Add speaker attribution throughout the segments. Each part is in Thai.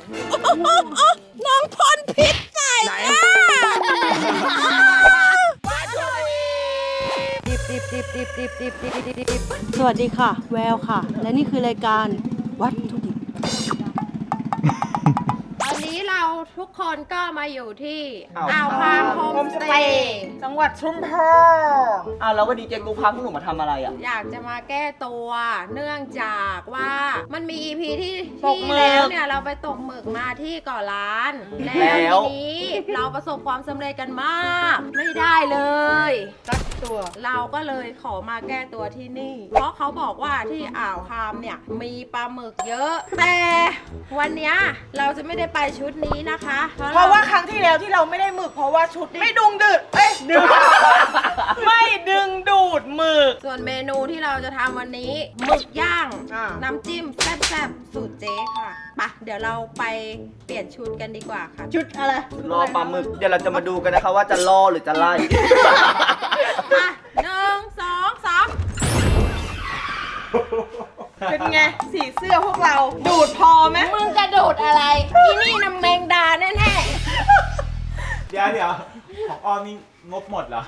Speaker 1: น้องพ่นพิษใส่สวัสดีค่ะแววค่ะและนี่คือรายการวัตถุดิบ
Speaker 2: ตอนนี้เราทุกคนก็มาอยู่ที่อ่าวคางโฮมสเตย์
Speaker 3: จังหวัดชุมพร
Speaker 4: แล้ววันนี้เจ๊กูพาพวกหนูมาทำอะไรอ่ะ
Speaker 2: อยากจะมาแก้ตัวเนื่องจากว่ามันมี EP ที่
Speaker 3: หมึก
Speaker 2: แล้วเนี่ยเราไปตกหมึกมาที่เกาะล้านแล้วทีนี้เราประสบความสำเร็จกันมากไม่ได้เลยสักตัวเราก็เลยขอมาแก้ตัวที่นี่ เพราะเขาบอกว่าที่อ่าวคามเนี่ยมีปลาหมึกเยอะแต่วันเนี้ยเราจะไม่ได้ไปชุดนี้นะคะ
Speaker 3: เพราะว่าครั้งที่แล้วที่เราไม่ได้หมึกเพราะว่าชุดไม่ดึงดูดไม่ดึงดูดหมึก
Speaker 2: ส่วนเมนูที่เราจะทำวันนี้หมึกย่าง น้ำจิ้มแซ่บๆสูตรเจ๊ค่ะไปเดี๋ยวเราไปเปลี่ยนชุดกันดีกว่าค่ะ
Speaker 1: ชุดอะไร
Speaker 4: รอปลาหมึกเดี๋ยวเราจะมาดูกันนะคะว่าจะล่อหรือจะไล่
Speaker 2: อ่ะ1 2 3
Speaker 3: เป็นไงสีเสื้อพวกเราดูดพอไหม
Speaker 2: มึงจะดูดอะไรอีนี่น้ำแมงดาแน่
Speaker 5: เดี๋ยวของอ้อมนี่งบหมดเหรอ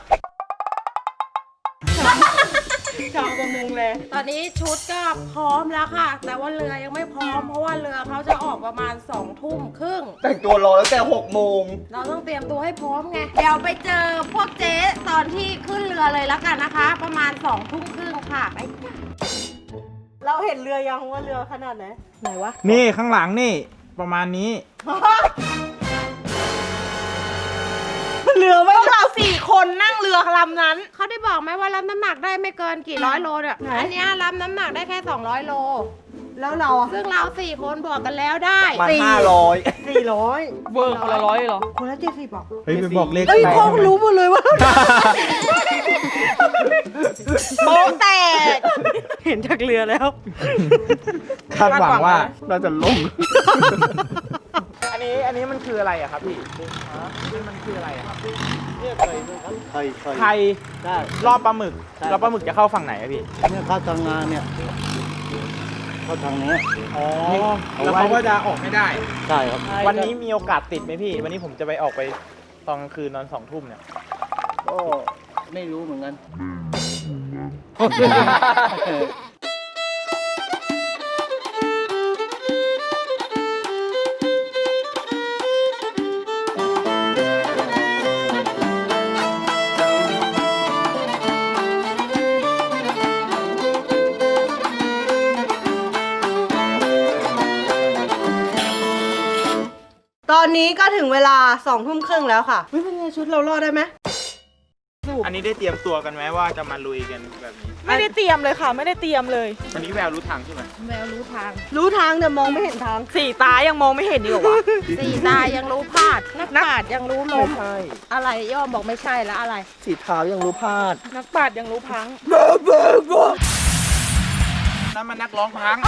Speaker 3: ชาวประมงเลย
Speaker 2: ตอนนี้ชุดก็พร้อมแล้วค่ะ แต่ว่าเรือยังไม่พร้อมเพราะว่าเรือเขาจะออกประมาณ2 ทุ่มครึ่ง
Speaker 4: แต่งตัวรอตั้งแต่6 โมง
Speaker 2: เราต้องเตรียมตัวให้พร้อมไงเดี๋ยวไปเจอพวกเจ๊ตอนที่ขึ้นเรือเลยแล้วกันนะคะ ประมาณ2 ทุ่มครึ่งค่ะไป
Speaker 1: เราเห็นเรือยังว่าเรือขนาดไหนไหนวะ
Speaker 5: นี่ข้างหลังนี่ประมาณนี้
Speaker 3: เรือไว้เรา4 คนนั่งเรือลำนั้น
Speaker 2: เขาได้บอกไหมว่ารับน้ำหนักได้ไม่เกินกี่ร้อยโลเนี่ยอันนี้รับน้ำหนักได้แค่200 โล
Speaker 1: แล้วเราอ่ะ
Speaker 2: ซึ่งเรา4 คนบวกกันแล้วได้
Speaker 4: มา
Speaker 1: 400
Speaker 3: เวอร์คนละ100เหรอ
Speaker 1: คนละ70บอก
Speaker 5: เฮ้ยไปบอกเลข
Speaker 1: พ่อรู้หมดเลยว่า
Speaker 3: โป๊ะแตก
Speaker 1: เห็นจากเรือแล้ว
Speaker 5: คาดหวังว่า
Speaker 4: น่าจะล่ม
Speaker 5: อันนี้มันคืออะไรอะครับพี่นี่มันคืออะไรอะครับไข่รอบปลาหมึกรอบปลาหมึกจะเข้าฝั่งไหนอะพี่
Speaker 6: เนี่ยเข้าทางงานเนี่ยเข้าทางนี้
Speaker 5: อ๋อแล้วเขาก็จะออกไม่ได้
Speaker 6: ใช่ครับ
Speaker 5: วันนี้มีโอกาสติดไหมพี่วันนี้ผมจะไปออกไปตอนกลางคืนนอน2 ทุ่มเนี่ย
Speaker 6: ก็ไม่รู้เหมือนกัน
Speaker 1: ตอนนี้ก็ถึงเวลา2 ทุ่มครึ่งแล้วค่ะเป็นไงชุดเรารอดได้ไหม
Speaker 5: อันนี้ได้เตรียมตัวกันไหมว่าจะมาลุยกันแบบนี้
Speaker 3: ไม่ได้เตรียมเลยค่ะไม่ได้เตรียมเลย
Speaker 5: วันนี้แววรู้ทางใช่ไหม
Speaker 2: แววรู้ทาง
Speaker 1: แต่มองไม่เห็นทาง
Speaker 3: 4 ตายังมองไม่เห็นดีกว่า
Speaker 2: 4 ตายังรู้พลาดนักปราชญ์ยังรู้ลมอะไรย่อมบอกไม่ใช่แล้วอะไร
Speaker 4: สีเท้ายังรู้พลาด
Speaker 3: นักปราชญ์ยังรู้พัง
Speaker 5: นั่นมันนักร้องพัง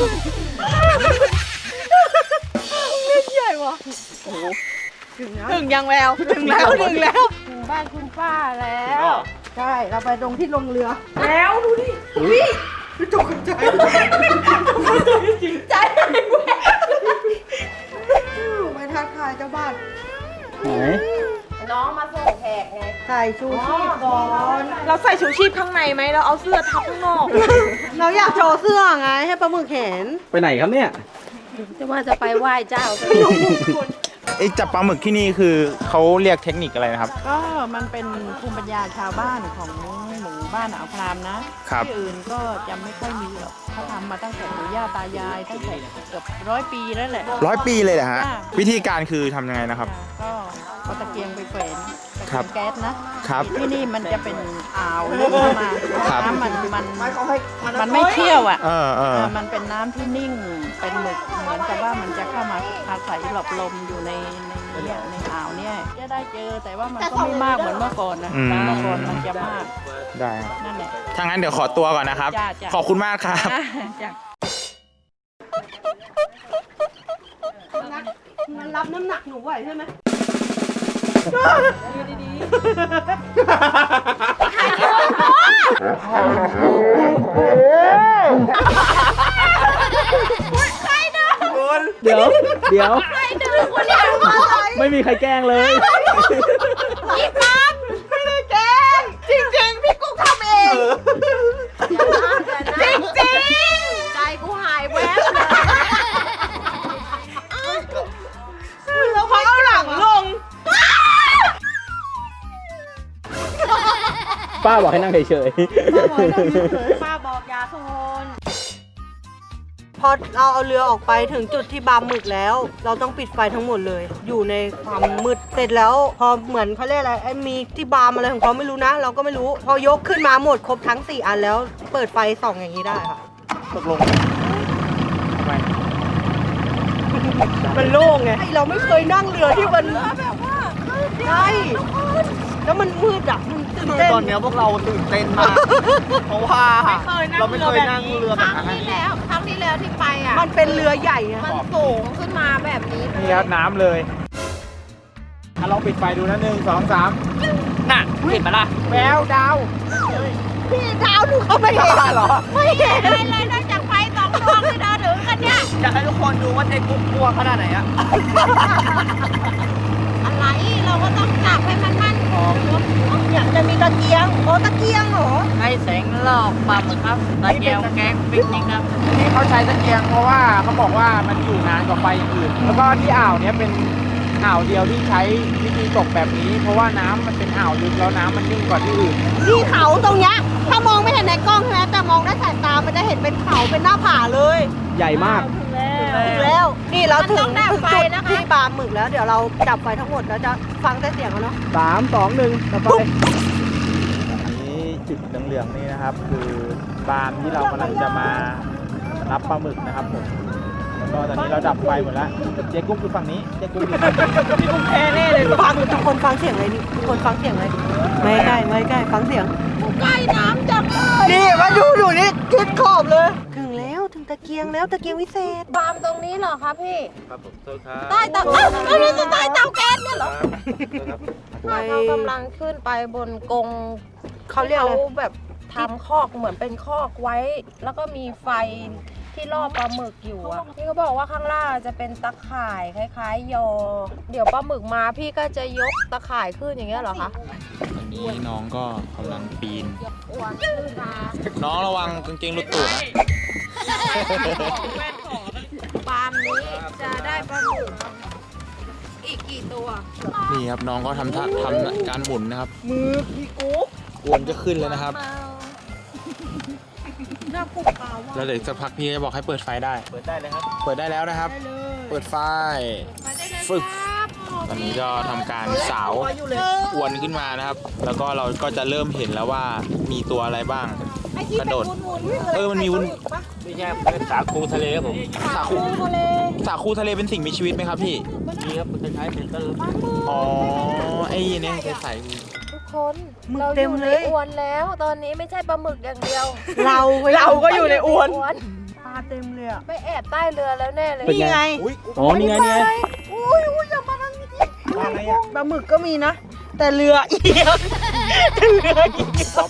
Speaker 1: เล่นใหญ่วะ
Speaker 3: ถึงยังแววถึงแล้ว
Speaker 2: ถึงบ้านคุณป้าแล้ว
Speaker 1: ใช่เราไปตรงที่ลงเรือ
Speaker 3: แล้วดูดิ
Speaker 1: ตกใจจริงใจไปทักทายเจ้าบ้าน
Speaker 6: ไหน
Speaker 2: น้องมาส่งแขกไง
Speaker 1: ใส่ชูชีพก่อน
Speaker 3: เราใส่ชูชีพข้างในไหมเราเอาเสื้อทับข้างนอก
Speaker 1: เราอยากโชว์เสื้อไงให้ปลาหมึกเห็น
Speaker 6: ไปไหนครับเนี่ย
Speaker 2: จะไปไหว้เจ้า
Speaker 5: ไอ้จับปลาหมึกที่นี่คือเขาเรียกเทคนิคอะไรนะครับ
Speaker 1: ก็มันเป็นภูมิปัญญาชาวบ้านของหมู่บ้านอ่าวครามนะที่อื่นก็จะไม่ค่อยมีหรอกเขาทำมาตั้งแต่ปู่ย่าตายายตั้งแต่เกือบ100 ปีแล้วแหละ
Speaker 5: 100 ปีเลยเหรอฮะวิธีการคือทำยังไงนะครับ
Speaker 1: ก็เอาตะเกียงไปแขวนแก๊ส
Speaker 5: นะครับ
Speaker 1: ที่นี่มันจะเป็นอ่าวลึกเข้ามาน้ำมันไม่เชี่ยวอ่ะมันเป็นน้ำที่นิ่งเป็นหมึกเหมือนกับว่ามันจะเข้ามาอาศัยหลบลมอยู่ในอ่าวเนี่ยจะได้เจอแต่ว่ามันก็ไม่มากเหมือนเมื่อก่อนนะเมื่อก่อนมันจะมาก
Speaker 5: ได้
Speaker 1: นั่นแหละ
Speaker 5: ถ้างั้นเดี๋ยวขอตัวก่อนนะครับขอบคุณมากครับ
Speaker 1: มันรับน้ำหนักหนูไหวใช่ไหมดี
Speaker 4: คุณ
Speaker 5: เดี๋ยว
Speaker 2: ไม่ดึงคุณเนี่ย
Speaker 5: ไม่มีใครแกล้งเลย
Speaker 2: พี่ปั๊บ
Speaker 3: ไม่ได้แกล้งจริงๆ พี่กุ๊กทำเอง จริง
Speaker 2: ใจกูหายแวบเลย
Speaker 3: ๆแล้วพอเอาหลังลง
Speaker 5: ป้าบอกให้นั่งเฉย
Speaker 3: ป้าบอกยาโซนพอเราเอาเรือออกไปถึงจุดที่บาร์หมึกแล้ว เราต้องปิดไฟทั้งหมดเลย อยู่ในความมืดเสร็จแล้ว พอเหมือนเขาเรียกอะไรไอ้มีที่บาร์มอะไรของเขาไม่รู้นะ เราก็ไม่รู้ พอยกขึ้นมาหมดครบทั้ง4อันแล้ว เปิดไฟส่องอย่างนี้ได้ค่ะ
Speaker 5: ๆตกลงทำไม
Speaker 3: มันโล่งไงเราไม่เคยนั่งเรือที่มันแบบว่าใช่แล้วมันมืดอ่ะมันตื่น
Speaker 4: คือ
Speaker 3: เต้น
Speaker 4: ตอนเนี้ยพวกเราตื่นเต้นมาก เพราะว่าเราไม่เคยนั่งเรือ
Speaker 2: ค
Speaker 4: แบบ
Speaker 2: รั้ง
Speaker 4: นั้น
Speaker 2: ที่แล้วที่ไปอ่ะ
Speaker 3: มันเป็นเรือใหญ่อะ
Speaker 2: มันสูงขึ้นมาแบบนี้เลย
Speaker 5: นี่ครับน้ำเลยลองปิดไฟดูนะ1 2 3
Speaker 4: น่ะเห็นไหมล่ะ
Speaker 5: แววดาว
Speaker 3: พี่เท้าหนูเขาไม่เห็นเหรอ
Speaker 2: ไม่เห็นอะไรเลยนอกจากไฟสองดวงที่เราถือกันเนี่ย
Speaker 4: อยากให้ทุกคนดูว่าเจ๊กุ๊กกลัวขนาดไหนอะ
Speaker 2: อะไรเราก็ต้องจับให้มันมั่นคง
Speaker 3: อยากจะมีตะเกียงโอ้ตะเกียงเหรอ
Speaker 1: ให้แสงลอกปลาหมึกครับตะเกียงแกงปิกนิกครับ
Speaker 5: ที่เขาใช้ตะเกียงเพราะว่าเขาบอกว่ามันอยู่นานกว่าไฟอย่างอื่น แล้วก็ที่อ่าวเนี้ยเป็นอ่าวเดียวที่ใช้วิธีตกแบบนี้ เพราะว่าน้ำมันเป็นอ่าวลึกแล้วน้ำมันนิ่งกว่าที่อื่น
Speaker 3: ที่เขาตรงเนี้ยถ้ามองไม่เห็นในกล้องใช่ไหมแต่มองด้วยสายตา มันจะเห็นเป็นเขาเป็นหน้าผาเลย
Speaker 5: ใหญ่มาก
Speaker 3: ถึงแล้ว นี่เราถึ
Speaker 2: มันต้
Speaker 3: ง
Speaker 2: องดับ
Speaker 3: ถึง
Speaker 2: ไฟ
Speaker 3: จุด
Speaker 2: นะคะ
Speaker 3: ที่บาร์หมึกแล้ว เดี๋ยวเราจับไฟทั้งหมดแล้วจะฟังแต่เสียงเขาเนาะ
Speaker 5: 3 2 1ต่อไปนี่จุดเหลืองๆนี่นะครับ คือบานที่เรากำลังจะมารับปลาหมึกนะครับผมแล้วก็ตอนนี้เราดับไฟหมดแล้วเจ๊กุ้งคือฝั่งนี้เจ๊กุ้งอยู่ฝั่งนี้
Speaker 3: พี่กุ้งแพ้แน่เลยฟังทุกคนฟังเสียงเลยนี่ทุกคนฟังเสียงเลยไม่ใกล้ไม่ใกล้ฟังเสียง
Speaker 2: ใกล้น้ำจังเลย
Speaker 3: นี่มาดูนี่คิดขอบเลย ถึงแล้วถึงตะเกียงแล้วตะเกียงวิเศษ
Speaker 2: บามตรงนี้เหรอคะพี่
Speaker 6: ครับผมโทษครับ
Speaker 2: ใต้เตาอ้าวอันนี้คือใต้เตาแก๊สเนี่ยเหรอ
Speaker 6: ครับ
Speaker 2: เรากำลังขึ้นไปบนกรง
Speaker 3: เขาเรียกอะไร
Speaker 2: แบบทำคอกเหมือนเป็นคอกไว้ แล้วก็มีไฟที่ล่อปลาหมึกอยู่อ่ะพี่เขาบอกว่าข้างล่างจะเป็นตะข่ายคล้ายๆยอ เดี๋ยวปลาหมึกมาพี่ก็จะยกตะข่ายขึ้นอย่างเงี้ยเหรอคะ
Speaker 7: ตอนนี้น้องก็กำลังปีน
Speaker 2: อ้วนขึ้นมา
Speaker 7: น้องระวังกางเกงหลุดตูดนะ
Speaker 2: ปาล์มนี้จะได้ปลาหมึกอีกกี่ตัว
Speaker 7: นี่ครับน้องก็ทำการหมุนนะครับ
Speaker 3: มือพี่กุ๊ก
Speaker 7: อวนจะขึ้นแล้วนะครับ
Speaker 3: หน้าปุกเปล่า
Speaker 7: แล้วเดี๋ยวอีกสักพักพี่จะบอกให้เปิดไฟได้
Speaker 4: เปิดได้เลยครับ
Speaker 7: เปิดได้แล้วนะครับ เปิดไฟ ฟึก ตอนนี้ก็ทำการสาวอวนขึ้นมานะครับ แล้วก็เราก็จะเริ่มเห็นแล้วว่ามีตัวอะไรบ้าง กระโดด มันมีวุ้น
Speaker 6: ไม่ใช่เป็นสาคูทะเลครับผม
Speaker 7: สาคูสาคูทะเลเป็นสิ่งมีชีวิตไหมครับพี่
Speaker 6: นี่ครับคล้ายๆเป็นต้น
Speaker 7: อ๋อ ไอ้เนี่ยใส
Speaker 2: ทุกคนเราอยู่ในอวนแล้ว ตอนนี้ไม่ใช่ปลาหมึกอย่างเดียว
Speaker 3: เราก็อยู่ในอวน
Speaker 2: วน
Speaker 3: ปลาเต็มเลยอ่ะ
Speaker 2: ไปแอบใต้เรือแล้วแน่เลย
Speaker 3: นี่ไง
Speaker 5: อ๋อนี่ไงนี่ไง
Speaker 3: อุ้ยอย่ามาทางนี้
Speaker 5: ปลาอะไรอ่ะ
Speaker 3: ปลาหมึกก็มีนะ แต่เรือเอียงเรือเอียง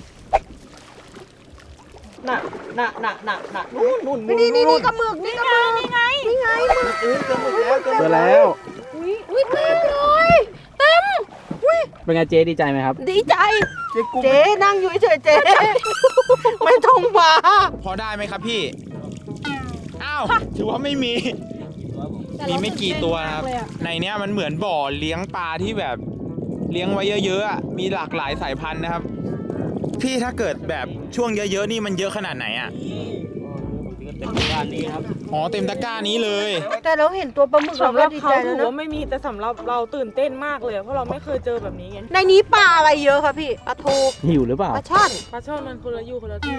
Speaker 3: น่ะนู่นนี่กระหมึกนี่กระหมึกนี่ไงหมึก
Speaker 5: เจอแล้ว
Speaker 2: อุ้ยเต็มเลยเต็ม
Speaker 5: เป็นไงเจ๊ดีใจไหมครับ
Speaker 2: ดีใจ
Speaker 3: เจ๊นั่งอยู่เฉยๆเจ๊ไม่ต้องมา
Speaker 7: พอได้ไหมครับพี่ อ้าว ถือว่าไม่มี มีไม่กี่ตัวนะครับ ในเนี้ยมันเหมือนบ่อเลี้ยงปลาที่แบบเลี้ยงไว้เยอะๆอะมีหลากหลายสายพันธุ์นะครับ พี่ถ้าเกิดแบบช่วงเยอะๆนี่มันเยอะขนาดไหนอ่ะ
Speaker 6: เต็มบ้านนี้ครับ
Speaker 7: อ๋อเต็มตะกร้านี้เลย
Speaker 3: แต่เราเห็นตัวปลาหมึกเรา
Speaker 8: สำห
Speaker 3: ก็
Speaker 8: รับ
Speaker 3: ดี
Speaker 8: เขา
Speaker 3: ใจ
Speaker 8: ถื
Speaker 3: แล้ว
Speaker 8: อ
Speaker 3: นะ
Speaker 8: ว่าไม่มีแต่สำหรับเราตื่นเต้นมากเลยเพราะเราไม่เคยเจอแบบนี้ไง
Speaker 3: ในนี้ปลาอะไรเยอะคะพี่ปลาทู
Speaker 5: หิวหรือเปล่า
Speaker 3: ปลาช่อน
Speaker 8: ปลาช่อนมันคนละอยู่คนละที่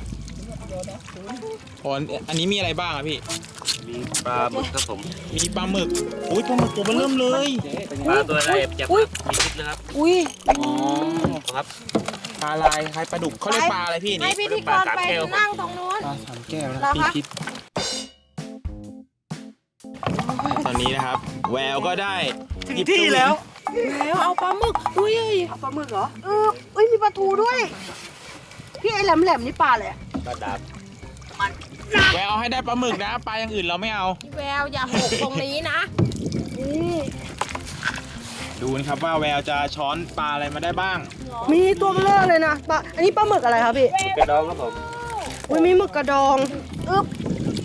Speaker 7: อ๋ออันนี้มีอะไรบ้างอะพี่
Speaker 6: มีปลาหมึกครับผม
Speaker 7: มีปลาหมึก อุ้ยปลาหมึกตัวมันเริ่มเลย
Speaker 6: ปลาตัวอะไรจับครับมีพิษนะครับ
Speaker 3: อุ้ย
Speaker 7: อ๋อ
Speaker 6: ครับ
Speaker 7: ปลาลายคล้ายปลาดุกเขาเรียกปลาอะไรพี่
Speaker 2: ให้
Speaker 7: นี่
Speaker 2: พิธีกรไปนั่งตรงนู้น
Speaker 7: ปลาสามแก้วนะ
Speaker 2: เหรอ
Speaker 7: พี่
Speaker 2: คะ
Speaker 7: คิด ตอนนี้นะครับ แววก็ได้หยิบที่แล้ว
Speaker 2: แล้วเอาปลาหมึกอุ้ย
Speaker 3: ปลาหมึกเหรอเอ้ยมีปลาทูด้วย พี่ไอ้แหลมๆนี่ปลาอะไรอะ
Speaker 6: ปลาดาบ
Speaker 7: แววเอาให้ได้ปลาหมึกนะปลาอย่างอื่นเราไม่เอา
Speaker 2: แววอย่าหกตรงนี้นะ
Speaker 7: ดูนะครับว่าแววจะช้อนปลาอะไรมาได้บ้าง
Speaker 3: มีตัวเบลอเลยนะปลาอันนี้ปลาหมึกอะไรครับพี่
Speaker 4: กระดองครับผม
Speaker 3: อุ้ยมีหมึกกระดองอึ๊บ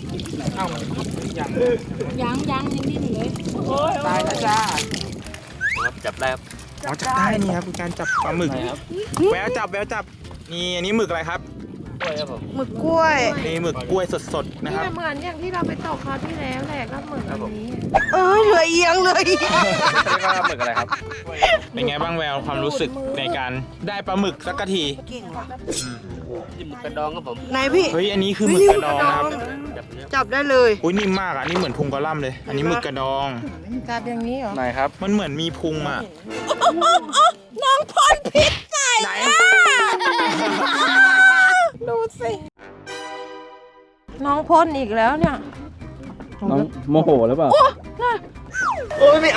Speaker 2: ยังยังดิ้นอยู่เลย
Speaker 7: ตายแล้วจ้า
Speaker 4: ครับจับได้ครับ
Speaker 7: อ๋อจับได้นี่ครับคือการจับปลาหมึกแววจับนี่อันนี้หมึกอะไรครับ
Speaker 4: ด้วยครับผม
Speaker 3: หมึกกล้วย
Speaker 7: นี่หมึกกล้วยสดๆนะครับ
Speaker 2: เหมือนอย่างที่เราไปตกคราวที่แล้วแหละก็เหมือนอันนี้
Speaker 3: เอ้ยเหลือเอียงเลย
Speaker 4: เรียกว่าหมึกอะไรครับ
Speaker 7: เป็นไงบ้างแววความรู้สึกในการได้ปลาหมึกสักที
Speaker 3: เก่งว่ะ
Speaker 4: นี่หมึกกระดองครับผม
Speaker 3: ไหนพี่
Speaker 7: เฮ้ยอันนี้คือหมึกกระดองนะครับ
Speaker 3: จับได้เลย
Speaker 7: อุ้ยนิ่มมากอ่ะนี่เหมือนพุงกระล่ำเลย อันนี้หมึกกระดอง
Speaker 2: จับอย่างนี้เหรอ
Speaker 4: ไหนครับ
Speaker 7: มันเหมือนมีพุงอ่ะ
Speaker 3: น้องพ่นพิษใส่
Speaker 7: ไหน
Speaker 2: ดูสิ น้องพ่นอีกแล้วเนี่ย
Speaker 5: น้องโมโหหรือเปล่า
Speaker 4: โอ้ยไม่เอา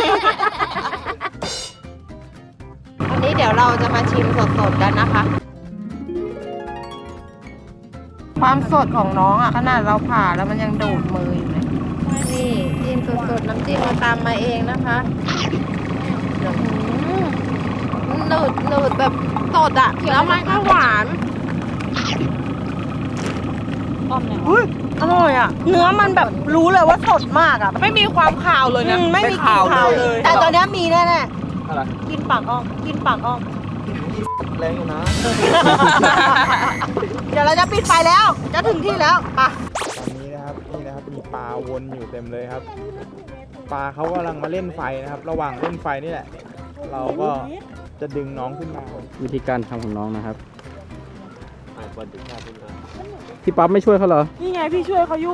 Speaker 2: อันนี้เดี๋ยวเราจะมาชิมสดๆกันนะคะ ความสดของน้องอ่ะขนาดเราผ่าแล้วมันยังดูดมืออยู่เลยนี่จิ้มสดๆน้ำจิ้มเราตามมาเองนะคะหนืดแบบสดอ่ะแล้วมันก็หวาน
Speaker 3: อุ้ยอร่อยอ่ะ เนื้อมันแบบรู้เลยว่าสดมากอ่ะ
Speaker 8: ไม่มีความข่าวเลยนะ
Speaker 3: ไม่มีกลิ่นคาวเลย แต่ตอนนี้มีแน่ๆกินปากอ้อมกินปากอ้อม
Speaker 4: แรงอยู่นะ
Speaker 3: เดี๋ยวเราจะปิดไฟแล้ว จะถึงที่แล้วไป
Speaker 5: ตอนนี้นะครับนี่นะครับมีปลาวนอยู่เต็มเลยครับ ปลาเขากำลังมาเล่นไฟนะครับ ระหว่างเล่นไฟนี่แหละ เราก็จะดึงน้องขึ้นมา
Speaker 9: วิธีการทำของน้องนะครับ พี่ปั๊บไม่ช่วยเขาเหรอ
Speaker 8: นี่ไงพี่ช่วยเขาอยู่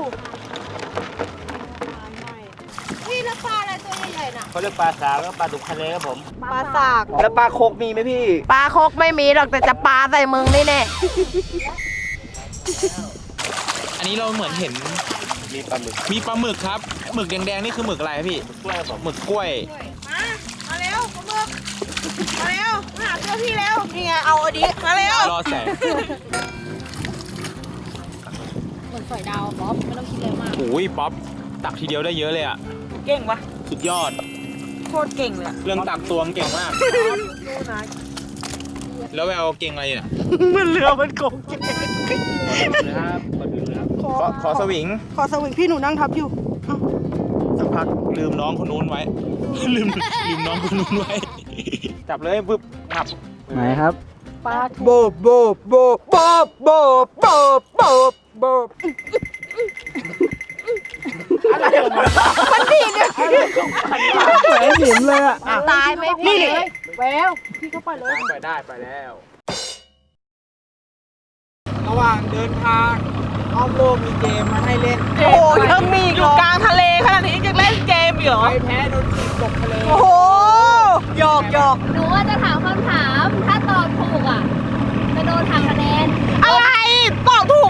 Speaker 2: พี่แล้วปลาอะไรตัวใหญ่ๆน่ะ
Speaker 4: เขาเรียกปลาสาวแล้วปลาดุกทะเลครับผม
Speaker 3: ปลาสาก
Speaker 4: แล้วปลาโคกมีไหมพี่
Speaker 2: ปลาคกไม่มีหรอกแต่จะปลาใส่มึงนี่แน่
Speaker 7: อันนี้เราเหมือนเห็น
Speaker 4: มีปลาหมึก
Speaker 7: มีปลาหมึกครับ หมึกแดงๆนี่คือหมึกอะไรครับพี่
Speaker 4: กล้วยครับผม
Speaker 7: หมึกกล้วย
Speaker 3: มาเร็วปลาหมึกมาเร็วมาหาเสื้อพี่เร็วนี่ไงเอาอันนี้มาเร็ว
Speaker 7: รอแสง โอ้ยป๊อปตักทีเดียวได้เยอะเลยอ่ะ
Speaker 8: เก่งปะ
Speaker 7: สุดยอด
Speaker 8: โคตรเก่งเลยอะ
Speaker 7: เรื่องตักตวงเก่งมาก แล้วแววเก่งอะไรเนี่ย
Speaker 3: มันเรือมันโกงเจ๊
Speaker 4: นะครับปลาดุกนะครับ
Speaker 7: ขอสวิง
Speaker 3: ขอสวิงพี่หนูนั่งทับอยู่
Speaker 7: สักพักลืมน้องคนนู้นไว้ ลืมน้องคนนู้นไว้ จับเลยปึ๊บงับ
Speaker 9: ไหนครับ
Speaker 3: โบบโบบโบบโบบโบบโบบโบบโบบอะไรออกมามันดีเนี่ย
Speaker 9: แหมหิมเลยอ่ะ
Speaker 2: ตายไหมพี่
Speaker 3: แววพี่ก็ไปเลย
Speaker 7: ไปได้ไปแล้ว ระหว่างเดินทางอ้อมโลกมีเกมมาให้เล่น
Speaker 3: โอ้ยยังมีอีก
Speaker 8: อ
Speaker 3: เหร
Speaker 8: ยู่
Speaker 3: อก
Speaker 8: ลางทะเลขนาดนี้ยังเล่นเกมอีกเหรอ
Speaker 7: ใครแพ้โดนถีบตกทะเล
Speaker 3: โอ้โหหยอกหยอก
Speaker 10: หนูว่าจะถามคำถาม ถ้าตอบถูกอ่ะ จะโดนหักคะแนน
Speaker 3: อะไรตอบถูก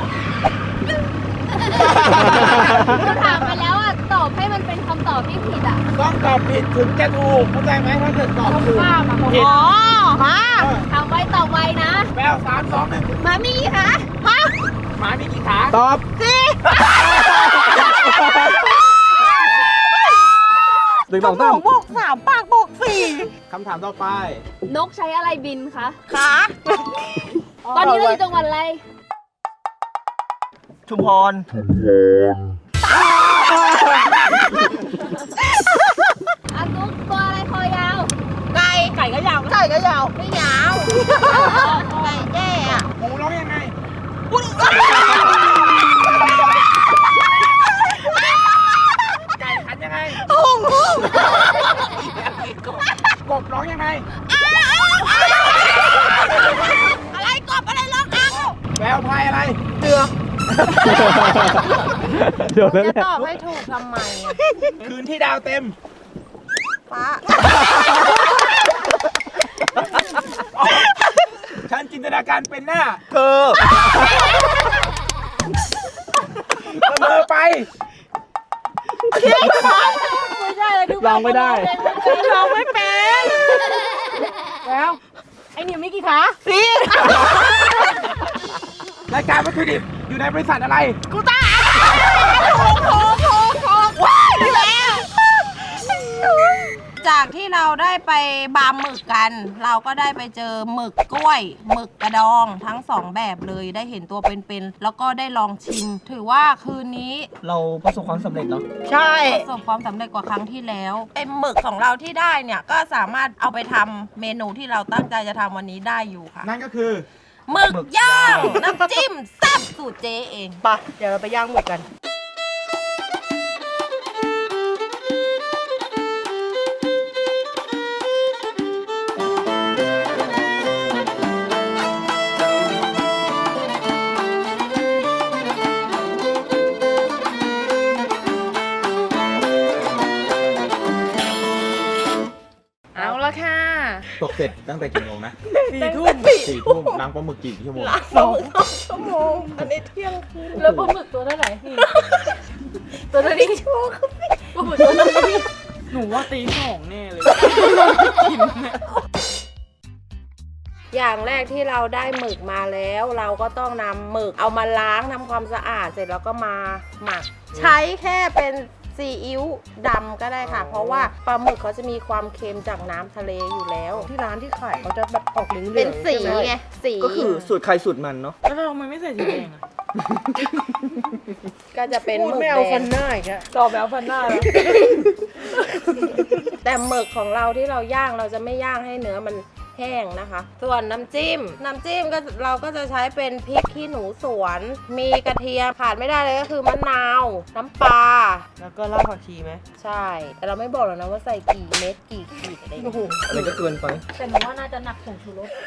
Speaker 10: หนูถามไปแล้วอ่ะ ตอบให้มันเป็นคำตอบที่ผิดอ่ะ
Speaker 7: ต้องตอบผิดถึงจะถูกเข้าใจไหมถ้าเกิดตอบถูกผิด
Speaker 3: อ๋อฮะ
Speaker 10: ทำไว้ตอบไว้นะ
Speaker 7: แวว3 2 1
Speaker 10: มามีกี่คะฮะ
Speaker 7: หมามีกี่ขา
Speaker 9: ตอบ หนึ่ง
Speaker 3: ส
Speaker 9: สอง
Speaker 3: ม
Speaker 9: สา
Speaker 3: อ
Speaker 9: ม
Speaker 3: งบวกสามปากบวกสี่
Speaker 7: คำถามต่อไป
Speaker 10: นกใช้อะไรบินคะ
Speaker 3: ขา
Speaker 10: ตอนนี้เราอยู่จังหวัดอะไร
Speaker 4: ชุมพร
Speaker 10: อาตุกตัวอะไรคอยาว
Speaker 3: ไก่ไก่ก็ยาวไก่ก็ยาว
Speaker 10: ไม่ยาว
Speaker 3: ไก่แจ้อะ
Speaker 7: หมูร้องยังไง ไก่ขันยังไง
Speaker 3: หุ่งหุ่ง
Speaker 7: กบร้องยังไง
Speaker 3: อะไรกบอะไรร้องอ้าว
Speaker 7: แววพายอะไร
Speaker 3: เดือ
Speaker 9: เดี๋ยวนั่นแห
Speaker 2: จะ
Speaker 9: ละ
Speaker 2: ตอบให้ถูกทำไมอะ
Speaker 7: คืนที่ดาวเต็ม
Speaker 3: ฟ้า
Speaker 7: ฉันจินตนาการเป็นหน้า
Speaker 4: เธอ
Speaker 7: เสมอไป
Speaker 9: ลองไม่ได้
Speaker 3: เราไม่เป็นแล้วไอเนี่ยมีกี่ขาสี่
Speaker 7: รายการวัตถุดิบ
Speaker 5: อยู่ในบริษัทอะไร
Speaker 2: กูต้าว้ายนี่แหละจากที่เราได้ไปบาร์หมึกกัน เราก็ได้ไปเจอหมึกกล้วยหมึกกระดองทั้ง2แบบเลยได้เห็นตัวเป็นๆแล้วก็ได้ลองชิม ถือว่าคืนนี้
Speaker 4: เราประสบความสำเร็จเนาะ
Speaker 3: ใช่
Speaker 2: ประสบความสำเร็จกว่าครั้งที่แล้วไอ้หมึกของเราที่ได้เนี่ยก็สามารถเอาไปทำเมนูที่เราตั้งใจจะทำวันนี้ได้อยู่ค่ะ
Speaker 5: นั่นก็คือ
Speaker 2: หมึกย่างน้ำจิ้มแซ่บสูตรเจ๊เอง
Speaker 3: ปะเดี๋ยวเราไปย่างหมึกกัน
Speaker 8: เอาละค่ะ
Speaker 5: ตกเสร็จตั้งแต่กี่โมงนะ
Speaker 3: 4 ทุ่ม
Speaker 5: 4 ทุ่มล้างปลาหมึกกี่ชั่วโมง
Speaker 2: 2 ชั่วโมงอันนี้เที่ยงคืน
Speaker 10: แล้วปลาหมึกตัวเท่าไหร่พี่
Speaker 2: ตัวนี้ชั่วโมง
Speaker 10: ปลาหมึกตัวเท่าไหร่
Speaker 8: หนูว่าตี2แน่เลย
Speaker 2: อย่างแรกที่เราได้หมึกมาแล้ว เราก็ต้องนำหมึกเอามาล้างทำความสะอาดเสร็จแล้วก็มาหมัก ใช้แค่เป็นซีอิ๊วดำก็ได้ค่ะ เพราะว่าปลาหมึกเขาจะมีความเค็มจากน้ำทะเลอยู่แล้ว
Speaker 3: ที่ร้านที่ขายเขาจะแบบออกเหลืองๆ
Speaker 2: เป็นสี
Speaker 3: ใช่ไหม
Speaker 2: ไงสี
Speaker 4: ก็คือสูตรใครสูตรมันเนาะ
Speaker 8: แล้วเราทำไมไม่ใส่สีแดงอะ
Speaker 2: ก็จะเป็น
Speaker 3: พู
Speaker 2: ห
Speaker 3: ด
Speaker 2: มึก
Speaker 3: ไม่เอา
Speaker 2: แด
Speaker 3: ฟั
Speaker 2: ง
Speaker 3: นหน้าอีกอะ
Speaker 8: ต่อแบวฟันหน้าแล้ว
Speaker 2: แต่หมึกของเราที่เราย่างเราจะไม่ย่างให้เนื้อมันแห้งนะคะ ส่วนน้ำจิ้มก็เราก็จะใช้เป็นพริกขี้หนูสวน มีกระเทียมขาดไม่ได้เลยก็คือมะนาว น้ำปลา
Speaker 3: แล้วก็รากผักชีไหม
Speaker 2: ใช่ แต่เราไม่บอกหรอกนะว่าใส่กี่เม็ดกี่ขีดอะไรอย่าง
Speaker 3: โอ้โห
Speaker 2: เงี้ย
Speaker 4: อะไรก็เกินไป
Speaker 10: แต่หนูว่าน่าจะหนักผงชูรส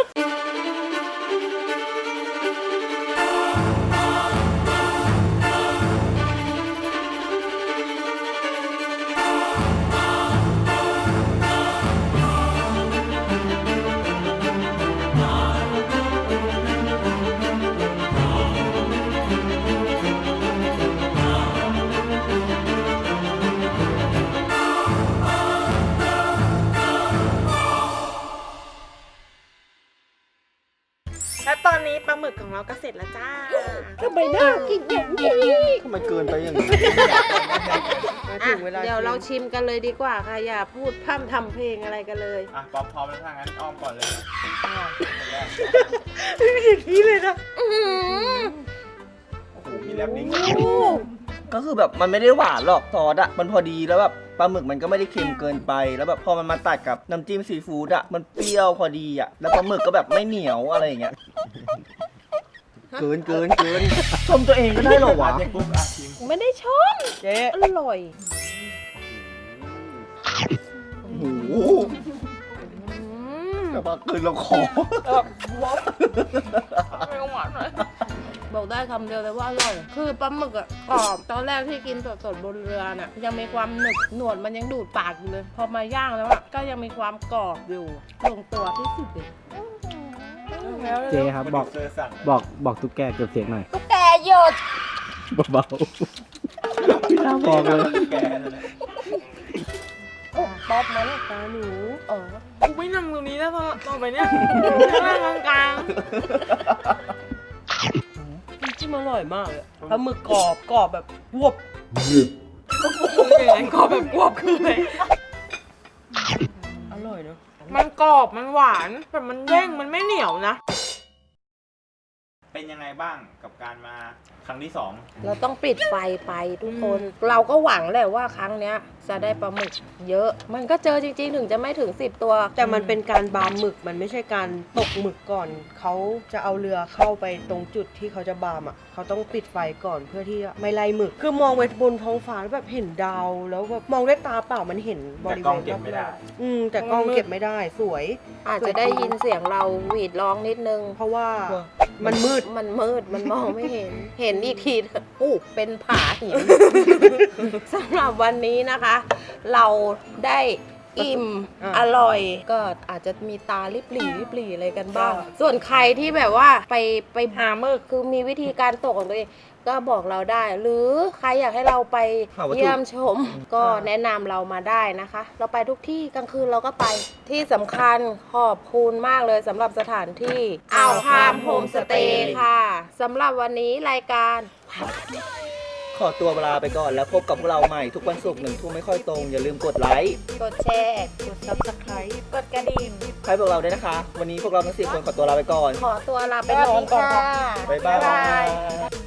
Speaker 8: และตอนนี้ปลาหมึกของเราก็เสร็จแล้วจ้า
Speaker 2: ทำไมน่ากินอย่างนี้
Speaker 4: ทำไมเกินไปอย่างนี้
Speaker 3: ถึงเวลา
Speaker 2: เดี๋ยวเราชิมกันเลยดีกว่าค่ะ อย่าพูดพร่ำทำเพลงอะไรกันเลย
Speaker 5: อ่ะป๊อปพร้อมแล้วถ้างั้นอ้อมก่อนเลย
Speaker 3: นี่เลยนะ
Speaker 5: โอ้โหมีแลบนิ้ง
Speaker 4: ก็คือแบบมันไม่ได้หวานหรอกซอสอะมันพอดีแล้วแบบปลาหมึกมันก็ไม่ได้เค็มเกินไป แล้วแบบพอมันมาตัดกับน้ำจิ้มซีฟู้ดอะมันเปรี้ยวพอดีอะแล้วปลาหมึกก็แบบไม่เหนียวอะไรอย่างเงี้ย เกินชมตัวเองก็ได้เหรอวะ
Speaker 5: เด็กปุ๊บอ่ะชิม
Speaker 2: ไม่ได้ชม
Speaker 3: เจ๊
Speaker 2: อร่อย
Speaker 4: โอ้โหแต่ว่าเกินเราขอ
Speaker 8: ไม่หวานเลย
Speaker 2: บอกได้คำเดียวเลยว่าอร่อย คือปลาหมึกอะกรอบ ตอนแรกที่กินสดๆบนเรือน่ะ ยังมีความหนึบหนวดมันยังดูดปากอยู่เลย พอมาย่างแล้วอะก็ยังมีความกรอบอยู่ลงตัวที่สุดเลย
Speaker 9: เจ๊ครับบอก
Speaker 5: เจอสั่ง
Speaker 9: บอกตุ๊กแกเก็บเสียงหน่อย
Speaker 2: ตุ๊กแกหยด
Speaker 9: เบาๆไม่น่าบอกเลย
Speaker 5: แกนั่นแหละ
Speaker 2: ป๊อปมัน
Speaker 3: ตาหนู
Speaker 8: กูไม่นั่งตรงนี้แล้วต่อไปเนี่ยนั่งกลาง
Speaker 3: จิ้มอร่อยมากเลยปลาหมึกกรอบแบบวบ
Speaker 8: ๆอย่างนั้นกรอบแบบกรอบคือเลย
Speaker 3: อร่อยเนาะ
Speaker 8: มันกรอบมันหวานแต่มันเด้งมันไม่เหนียวนะ
Speaker 7: เป็นยังไงบ้างกับการมาครั้งที่ 2
Speaker 2: เราต้องปิดไฟไปทุกคน เราก็หวังแหละว่าครั้งเนี้ยจะได้ปลาหมึกเยอะ มันก็เจอจริงๆถึงจะไม่ถึง10 ตัว
Speaker 3: แต่มันเป็นการบาร์หมึกมันไม่ใช่การตกหมึกก่อนเขาจะเอาเรือเข้าไปตรงจุดที่เขาจะบาร์มอ่ะเขาต้องปิดไฟก่อนเพื่อที่จะไม่ไล่หมึก คือมองไปบนท้องฟ้าแล้วแบบเห็นดาวแล้วแบบมองด้วยตาเปล่ามันเห็นบ
Speaker 5: แต่
Speaker 3: ริ
Speaker 5: กล้
Speaker 3: เว
Speaker 5: อง
Speaker 3: ณ
Speaker 5: เก็บไม่ได้
Speaker 3: แต่กล้องเก็บไม่ได้สวย
Speaker 2: อาจจะได้ยินเสียงเราหวีดร้องนิดนึง
Speaker 3: เพราะว่ามันมืด
Speaker 2: มันมืด มันมองไม่เห็น เห็นอีกทีอู้เป็นผาหิน สำหรับวันนี้นะคะ เราได้อิ่ม อร่อย ก็อาจจะมีตาลิบหลีอะไรกันบ้าง ส่วนใครที่แบบว่าไปหาหมึกคือมีวิธีการตกของตัวเองก็บอกเราได้ หรือใครอยากให้เราไป
Speaker 4: หาวัตถุ
Speaker 2: เยี่ยมชม ก็แนะนำเรามาได้นะคะ เราไปทุกที่กลางคืนเราก็ไปที่สำคัญขอบคุณมากเลยสำหรับสถานที่อ่าวพามโฮมสเตย์ค่ะสำหรับวันนี้รายการ
Speaker 4: ขอตัวลาไปก่อนแล้วพบกับพวกเราใหม่ทุกวันศุกร์1 ทุ่มไม่ค่อยตรง อย่าลืมกดไลค์
Speaker 2: กดแชร์
Speaker 1: กด subscribe
Speaker 2: กดกระดิ่ง
Speaker 4: ให้พวกเราด้วยนะคะ วันนี้พวกเราทั้ง4 คนขอตัวลาไปก่อน
Speaker 2: ขอตัวลาไปก่อนค่ะ
Speaker 4: บ๊ายบาย